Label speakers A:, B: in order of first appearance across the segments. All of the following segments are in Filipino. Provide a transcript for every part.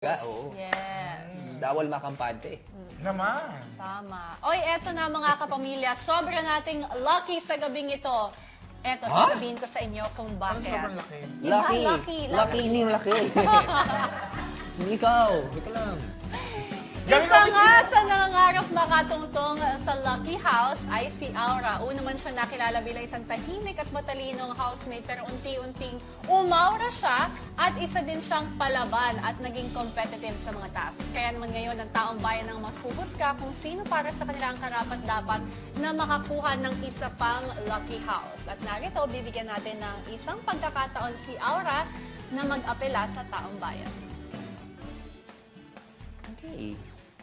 A: Oo.
B: Yes.
A: Bawal makampante.
C: Naman.
B: Tama. Oy, eto na mga kapamilya. Sobra nating lucky sa gabing ito. Eto, sasabihin ko sa inyo kung
C: Parang
B: bakit.
C: sobrang laki.
B: Diba?
A: Lucky.
B: Lucky.
A: Lucky, hindi yung laki. Hindi ikaw. Ito lang.
B: Isa nga sa nangangarap makatungtong sa Lucky House ay si Aura. Una man siya nakilala bilang isang tahimik at matalinong housemate pero unti-unting umaura siya at isa din siyang palaban at naging competitive sa mga tasks. Kaya naman ngayon ang taong bayan ang mas huhusga kung sino para sa kanila ang karapat-dapat na makakuha ng isa pang Lucky House. At narito, bibigyan natin ng isang pagkakataon si Aura na mag-apela sa taong bayan.
A: Okay.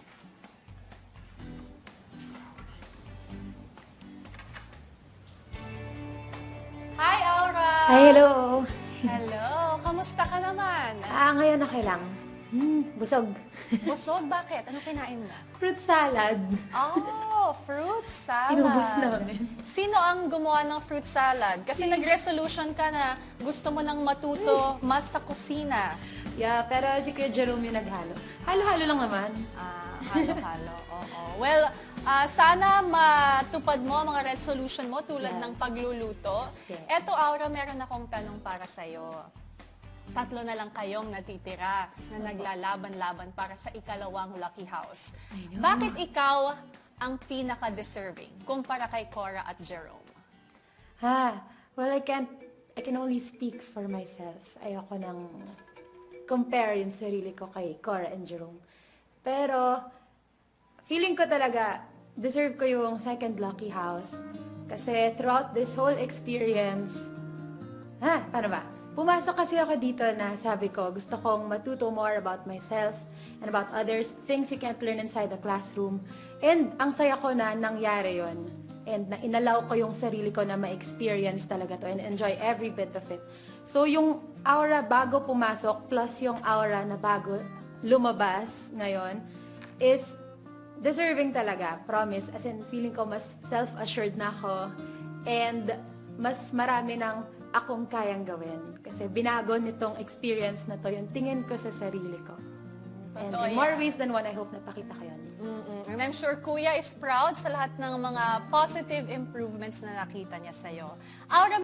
B: Hi, Aura!
D: Hi, hello.
B: Hello! Kamusta ka naman?
D: Ngayon okay lang. Busog.
B: Busog? Bakit? Ano kinain mo?
D: Fruit salad.
B: Oh, fruit salad.
D: Inubos namin.
B: Sino ang gumawa ng fruit salad? Kasi nag-resolution ka na gusto mo nang matuto mas sa kusina.
D: Yeah, pero si Kuya Jerome yung naghalo. Halo-halo lang naman.
B: Halo-halo. Oo. Well, sana matupad mo ang mga resolution mo tulad
D: Yes.
B: ng pagluluto.
D: Yes.
B: Eto, Aura, meron akong tanong para sa'yo. Tatlo na lang kayong natitira na naglalaban-laban para sa ikalawang Lucky House. Bakit ikaw ang pinaka-deserving kumpara kay Cora at Jerome?
D: Well, I can only speak for myself. Ayoko nang compare yung sarili ko kay Cora and Jerome. Pero, feeling ko talaga, deserve ko yung second Lucky House. Kasi throughout this whole experience, paano ba? Pumasok kasi ako dito na sabi ko, gusto kong matuto more about myself and about others, things you can't learn inside the classroom. And ang saya ko na nangyari yon. And na inalaw ko yung sarili ko na ma-experience talaga to and enjoy every bit of it. So yung aura bago pumasok plus yung aura na bago lumabas ngayon is deserving talaga, promise. As in, feeling ko mas self-assured na ako and mas marami ng akong kayang gawin. Kasi binago nitong experience na to yung tingin ko sa sarili ko. And
B: Totoo
D: in more
B: yan.
D: ways than one, I hope napakita ko yun.
B: And I'm sure Kuya is proud sa lahat ng mga positive improvements na nakita niya sa'yo. Aura,